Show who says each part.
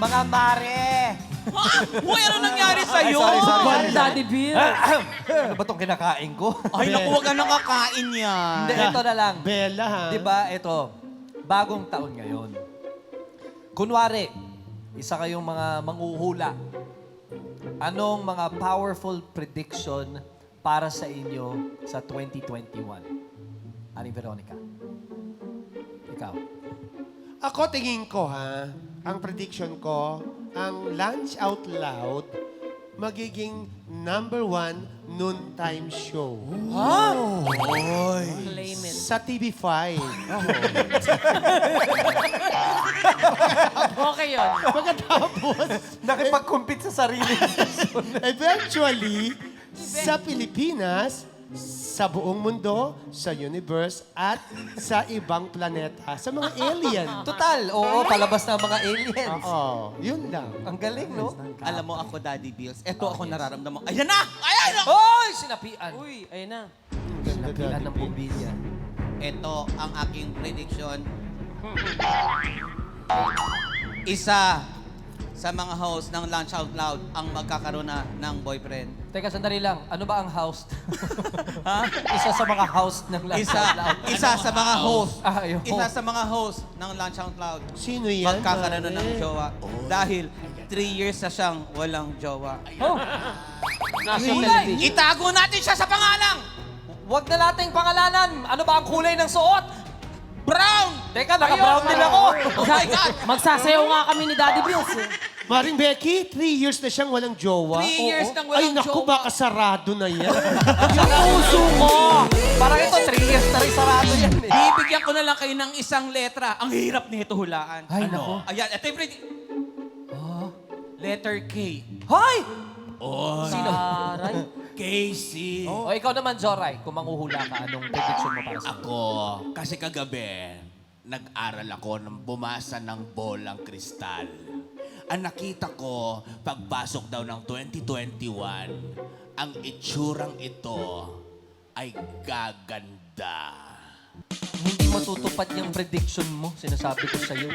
Speaker 1: Mga mare!
Speaker 2: Uy, ano nangyari sa'yo?
Speaker 1: sorry.
Speaker 3: Bad Daddy Bill.
Speaker 1: Ano ba itong kinakain ko?
Speaker 2: Ay, naku, huwag ka nakakain yan.
Speaker 1: Hindi, ito na lang.
Speaker 4: Bella, ha?
Speaker 1: Di ba, ito, bagong taon ngayon. Kunwari, isa kayong mga manghuhula. Anong mga powerful prediction para sa inyo sa 2021? Aling Veronica. Ikaw.
Speaker 4: Ako, tingin ko, ha? Ang prediction ko, ang Lunch Out Loud magiging #1 noontime show.
Speaker 3: Claim it.
Speaker 4: Sa TV5.
Speaker 3: Okay yun.
Speaker 4: Pagkatapos,
Speaker 1: Nakipag-compete sa sarili.
Speaker 4: eventually, sa Pilipinas, sa buong mundo, sa universe, at sa ibang planeta, sa mga alien.
Speaker 1: Total, oo, palabas na ang mga aliens.
Speaker 4: Oo, yun lang.
Speaker 1: Ang galing, no?
Speaker 2: Alam mo ako, Daddy Bills, eto ako nararamdaman. Ayan na! Ayan na!
Speaker 1: Hoy! Sinapian.
Speaker 3: Uy, ayun na.
Speaker 1: Sinapian ng bumbilya.
Speaker 2: Ito ang aking prediction. Isa sa mga host ng Lunch Out Loud ang magkakaroon na ng boyfriend.
Speaker 1: Teka, sandali lang. Ano ba ang host?
Speaker 2: Ha?
Speaker 1: Isa sa mga host ng Lunch
Speaker 2: Isa,
Speaker 1: Out Loud.
Speaker 2: isa sa mga host.
Speaker 1: Ah, yung
Speaker 2: Isa
Speaker 1: host.
Speaker 2: sa mga host ng Lunch Out Loud.
Speaker 4: Sino yan?
Speaker 2: Magkakaroon na ng
Speaker 4: pare?
Speaker 2: jowa. Dahil 3 years na siyang walang jowa.
Speaker 1: Oh,
Speaker 3: Nasa
Speaker 1: Kulay.
Speaker 3: television.
Speaker 2: Itago natin siya sa pangalang!
Speaker 1: wag na nating pangalanan. Ano ba ang kulay ng suot?
Speaker 2: Brown!
Speaker 1: Teka, naka-brown din ako.
Speaker 2: Oh my God!
Speaker 3: Magsasayaw nga kami ni Daddy Bills.
Speaker 4: Maring Becky, 3 years na siyang walang jowa.
Speaker 2: 3 years nang
Speaker 4: Ay,
Speaker 2: walang
Speaker 4: naku,
Speaker 2: jowa.
Speaker 4: baka sarado na yan.
Speaker 3: Puso ko.
Speaker 1: Parang ito, 3 years na rin sarado yan eh.
Speaker 2: Bibigyan ko na lang kayo ng isang letra. Ang hirap nito hulaan.
Speaker 1: Ay, nako.
Speaker 2: Ayan, ito yung letter K.
Speaker 1: Hoy!
Speaker 3: Sino? Taray.
Speaker 2: Casey.
Speaker 1: O ikaw naman, Joray, kung manghuhula ka, anong prediction mo para sa
Speaker 5: Ako, kasi kagabi, nag-aral ako ng bumasa ng bolang kristal. Ang nakita ko, pagpasok daw ng 2021, ang itsurang ito ay gaganda.
Speaker 1: Hindi matutupad yung prediction mo, sinasabi ko sa'yo.